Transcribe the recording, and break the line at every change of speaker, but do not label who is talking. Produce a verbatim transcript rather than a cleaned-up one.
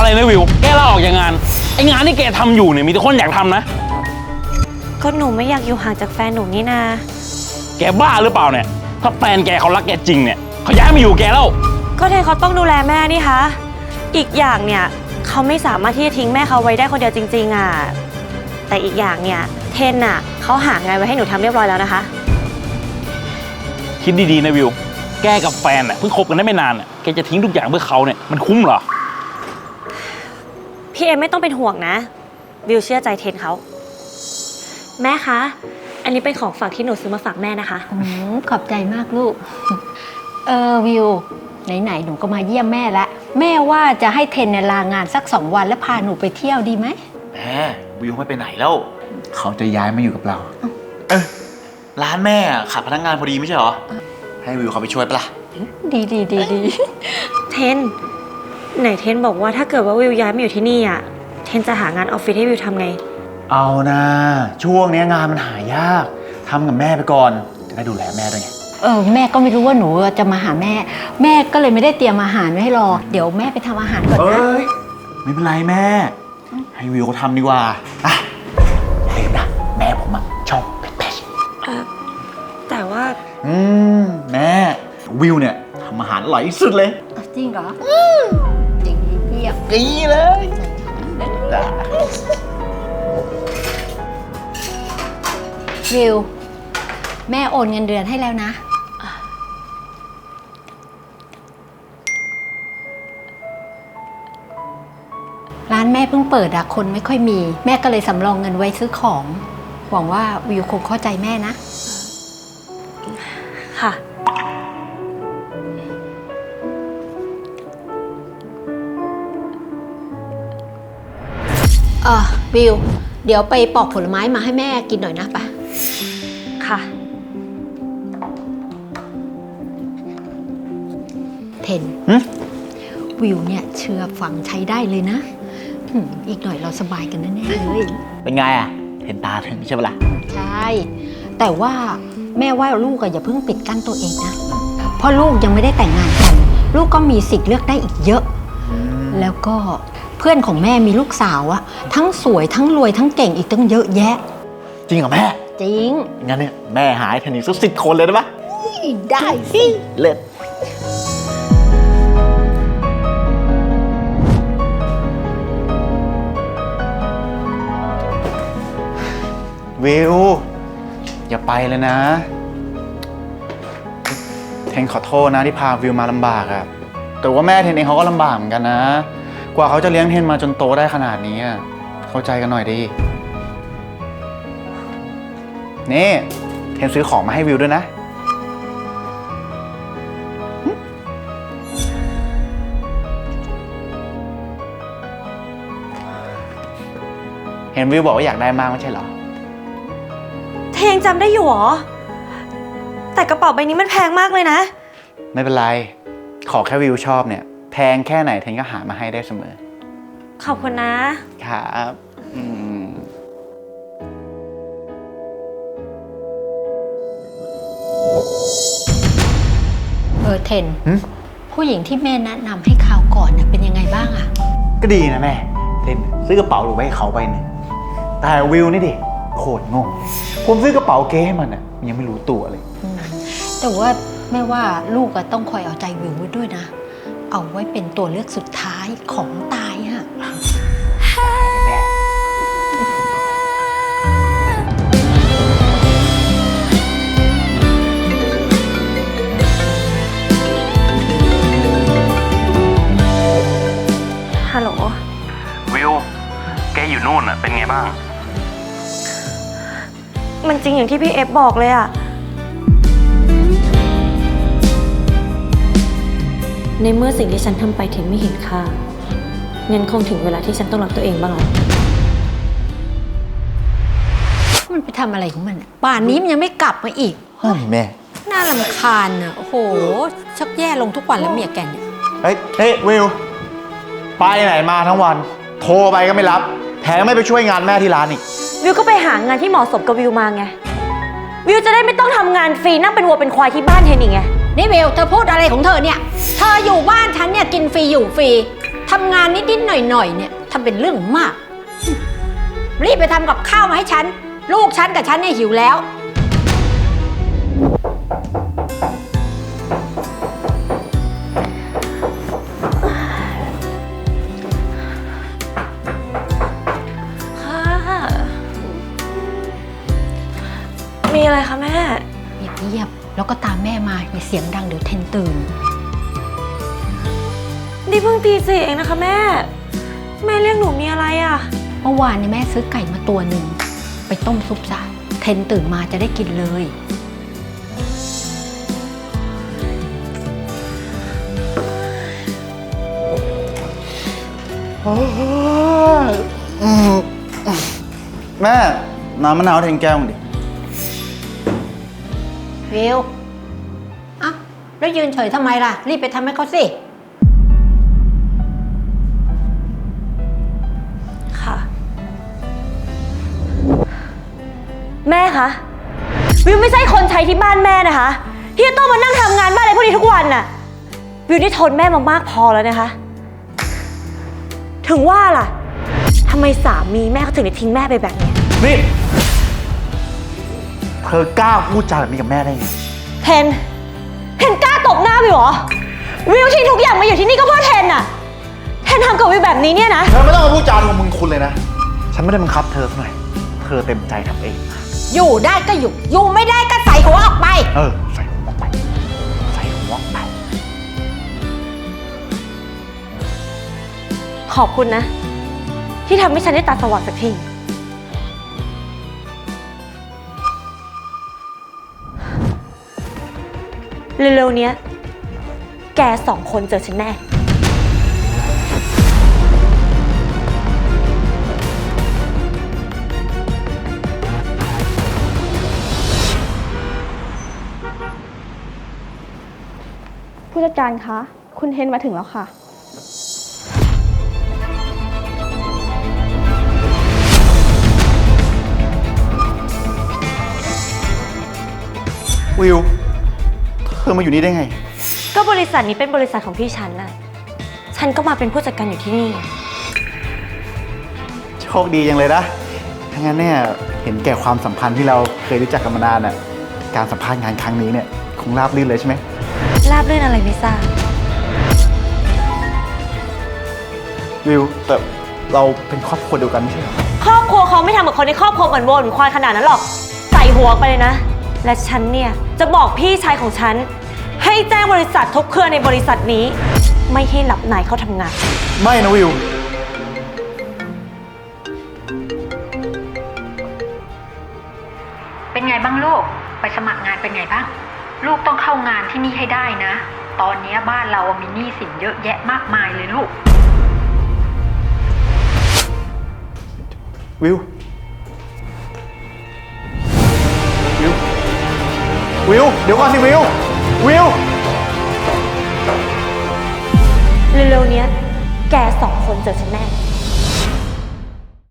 นะวิวแกลาออกจากงานไองานที่แกทำอยู่เนี่ยมีแต่คนอยากทำนะ
ก็หนูไม่อยากอยู่ห่างจากแฟนหนูนี่นา
แกบ้าหรือเปล่าเนี่ยถ้าแฟนแกเขารักแกจริงเนี่ยเขาย้ายมาอยู่แกแล้ว
ก็เทนเขาต้องดูแลแม่นี่คะอีกอย่างเนี่ยเขาไม่สามารถที่จะทิ้งแม่เขาไว้ได้คนเดียวจริงๆอ่ะแต่อีกอย่างเนี่ยเทนอ่ะเขาหางานไว้ให้หนูทำเรียบร้อยแล้วนะคะ
คิดดีๆนะวิวแกกับแฟนอ่ะเพิ่งคบกันได้ไม่นานอ่ะแกจะทิ้งทุกอย่างเพื่อเขาเนี่ยมันคุ้มเหรอ
พี่เอ็มไม่ต้องเป็นห่วงนะวิวเชื่อใจเทนเขาแม่คะอันนี้เป็นของฝากที่หนูซื้อมาฝากแม่นะคะ
อืมขอบใจมากลูกเออวิวไหนๆหนูก็มาเยี่ยมแม่แล้วแม่ว่าจะให้เทนเนี่ยลางานสักสองวันแล้วพาหนูไปเที่ยวดีไหม
แหมวิวไม่ไปไหนแล้ว
เขาจะย้ายมาอยู่กับเรา
เออร้านแม่ขาดพนักงานพอดีไม่ใช่เหรอให้วิวเขาไปช่วยปะล่ะ
ดีดีดีดี
เทนไหนเทนบอกว่าถ้าเกิดว่าวิวย้ายมาอยู่ที่นี่อ่ะเทนจะหางานออฟฟิศให้วิวทำไง
เอานะช่วงนี้งานมันหายากทำกับแม่ไปก่อนจะได้ดูแลแม่ด้วยไง
เออแม่ก็ไม่รู้ว่าหนูจะมาหาแม่แม่ก็เลยไม่ได้เตรียมอาหารไว้ให้รอเดี๋ยวแม่ไปทำอาหารก่อนนะ
เอ้ยไม่เป็นไรแม่ให้วิวเขาทำดีกว่าอ่ะลืมนะแม่ผมอะชอบเผ็ด
ๆเออแต่ว่า
อืมแม่วิวเนี่ยทำอาหารอร่อยที่สุดเลย
จริงเหรอจริงเยี่ยม
ดีเลย
วิวแม่โอนเงินเดือนให้แล้วนะร้านแม่เพิ่งเปิดอะคนไม่ค่อยมีแม่ก็เลยสำรองเงินไว้ซื้อของหวังว่าวิวคงเข้าใจแม่นะ
ค่ะ
เออวิวเดี๋ยวไปปอกผลไม้มาให้แม่กินหน่อยนะป่ะ
ค่ะ
เทนวิวเนี่ยเชื่อฟังใช้ได้เลยนะอีกหน่อยเราสบายกันแน่ๆเลย
เป็นไงอ่ะเห็นตาถึงใช่ปะล่ะ
ใช่แต่ว่าแม่ว่าลูกอะอย่าเพิ่งปิดกั้นตัวเองนะเพราะลูกยังไม่ได้แต่งงานกันลูกก็มีสิทธิ์เลือกได้อีกเยอะแล้วก็เพื่อนของแม่มีลูกสาวอะทั้งสวยทั้งรวยทั้งเก่งอีกตั้งเยอะแยะ
จริงเหรอแม่
จริง
งั้นเนี่ยแม่หายเทนนิสสักสิบคนเลยได้ปะ
ได้สิ
เลิศวิวอย่าไปเลยนะเทนขอโทษนะที่พาวิวมาลำบากอะแต่ว่าแม่เทนเองเขาก็ลำบากเหมือนกันนะกว่าเขาจะเลี้ยงเทนมาจนโตได้ขนาดนี้เข้าใจกันหน่อยดินี่เทนซื้อของมาให้วิวด้วยนะเห็นวิวบอกว่าอยากได้มากไม่ใช่เหรอ
เทนจำได้อยู่หรอแต่กระเป๋าใบนี้มันแพงมากเลยนะ
ไม่เป็นไรขอแค่วิวชอบเนี่ยแพงแค่ไหนเทนก็หามาให้ได้เสมอ
ขอบคุณ
นะครับอืม
เออเทนผู้หญิงที่แม่แนะนำให้ข่าวก่อนเนี่ยเป็นยังไงบ้างอะ
ก็ดีนะแม่เทนซื้อกระเป๋าหรือไว้ให้เขาไปเนี่ยแต่วิวนี่ดิโคตรงงผมซื้อกระเป๋าเก๊ให้มันอ่ะยังไม่รู้ตัวเลย
แต่ว่าแม่ว่าลูกก็ต้องคอยเอาใจวิวไว้ด้วยนะเอาไว้เป็นตัวเลือกสุดท้ายของตายฮะ
ฮัลโหล
วิวแกอยู่นู่นอ่ะเป็นไงบ้าง
มันจริงอย่างที่พี่เอฟบอกเลยอะในเมื่อสิ่งที่ฉันทำไปเทนไม่เห็นค่างั้นคงถึงเวลาที่ฉันต้องรักตัวเองบ้างแล้ว
มันไปทำอะไรของมันป่านนี้มันยังไม่กลับมาอีก
เฮ้ยแม่
น่ารำคาญอ่ะโอ้โหชักแย่ลงทุกวันแล้วเมียแกเนี่ย
เฮ้ยเฮ้ยวิวไปไหนมาทั้งวันโทรไปก็ไม่รับแถมไม่ไปช่วยงานแม่ที่ร้านอีก
วิวก็ไปหางานที่เหมาะสมกับวิวมาไงวิวจะได้ไม่ต้องทำงานฟรีนั่งเป็นวัวเป็นควายที่บ้านเทนอีกไง
นี่วิวเธอพูดอะไรของเธอเนี่ยเธออยู่บ้านฉันเนี่ยกินฟรีอยู่ฟรีทำงานนิดๆหน่อยๆเนี่ยทำเป็นเรื่องมาก รีบไปทำกับข้าวมาให้ฉัน ลูกฉันกับฉันเนี่ยหิวแล้ว
ค่ะ มีอะไรคะแม่
เงียบๆแล้วก็ตามแม่มาอย่าเสียงดังเดี๋ยวเทนตื่น
นี่เพิ่งตีสี่เองนะคะแม่ แม่เรียกหนูมีอะไรอ่ะ
เมื่อวานเนี่ยแม่ซื้อไก่มาตัวหนึ่งไปต้มซุปซะเทนตื่นมาจะได้กินเลย
แม่น้ำมะนาวแทงแก้วมึงดิ
วิวอ่ะแล้วยืนเฉยทำไมล่ะ รีบไปทำให้เขาสิ
ค่ะ แม่คะวิวไม่ใช่คนใช้ที่บ้านแม่นะคะ ที่จะต้องมานั่งทำงานบ้านอะไรพวกนี้ทุกวันน่ะวิวได้ทนแม่มามากพอแล้วนะคะ ถึงว่าล่ะทำไมสามีแม่เขาถึงได้ทิ้งแม่ไปแบบนี้
นี่ เธอกล้าพูดจาแบบนี้กับแม่ได้ไง
เทนเทนกล้าตบหน้าวิวเหรอวิวทิ้งทุกอย่างมาอยู่ที่นี่ก็เพื่อเทนน่ะเทนทำกับวิวแบบนี้เนี่ยนะ
เธอไม่ต้องมาพูดจาของมึงคุณเลยนะ ฉันไม่ได้บังคับเธอสักหน่อย เธอเต็มใจทำเอง
อยู่ได้ก็อยู่ อยู่ไม่ได้ก็ใส่หัวออกไป
เออ ใส่หัวออกไป ใส่หัวออกไป
ขอบคุณนะ ที่ทำให้ฉันได้ตาสว่างสักทีเร็วๆเนี้ยแกสองคนเจอฉันแน่
ผู้จัดการคะ คุณเทนมาถึงแล้วค่ะ
วิว เธอมาอยู่นี่ได้ไง
ก็บริษัทนี้เป็นบริษัทของพี่ฉันน่ะ ฉันก็มาเป็นผู้จัดการอยู่ที่นี่
โชคดีจังเลยนะถ้างั้นเนี่ยเห็นแก่ความสัมพันธ์ที่เราเคยรู้จักกันมานานน่ะ การสัมภาษณ์งานครั้งนี้เนี่ยคงราบรื่นเลยใช่ไหม
ราบรื่นอะไรไม่ทราบ
วิว แต่เราเป็นครอบครัวเดียวกันไม่ใช่เหรอ
ครอบครัวเขาไม่ทำกับคนในครอบครัวเหมือนโวเหมือนควายขนาดนั้นหรอก ใส่หัวไปเลยนะ และฉันเนี่ยจะบอกพี่ชายของฉัน ให้แจ้งบริษัททุกเครือในบริษัทนี้ ไม่ให้หลับนายเข้าทำงาน
ไม่นะวิว
เป็นไงบ้างลูก ไปสมัครงานเป็นไงบ้าง ลูกต้องเข้างานที่นี่ให้ได้นะ ตอนนี้บ้านเรามีหนี้สินเยอะแยะมากมายเลยลูก
วิว วิว วิว เดี๋ยวก่อนสิวิว วิว
เร็วๆเนี้ยแกสองคนเจอฉันแน่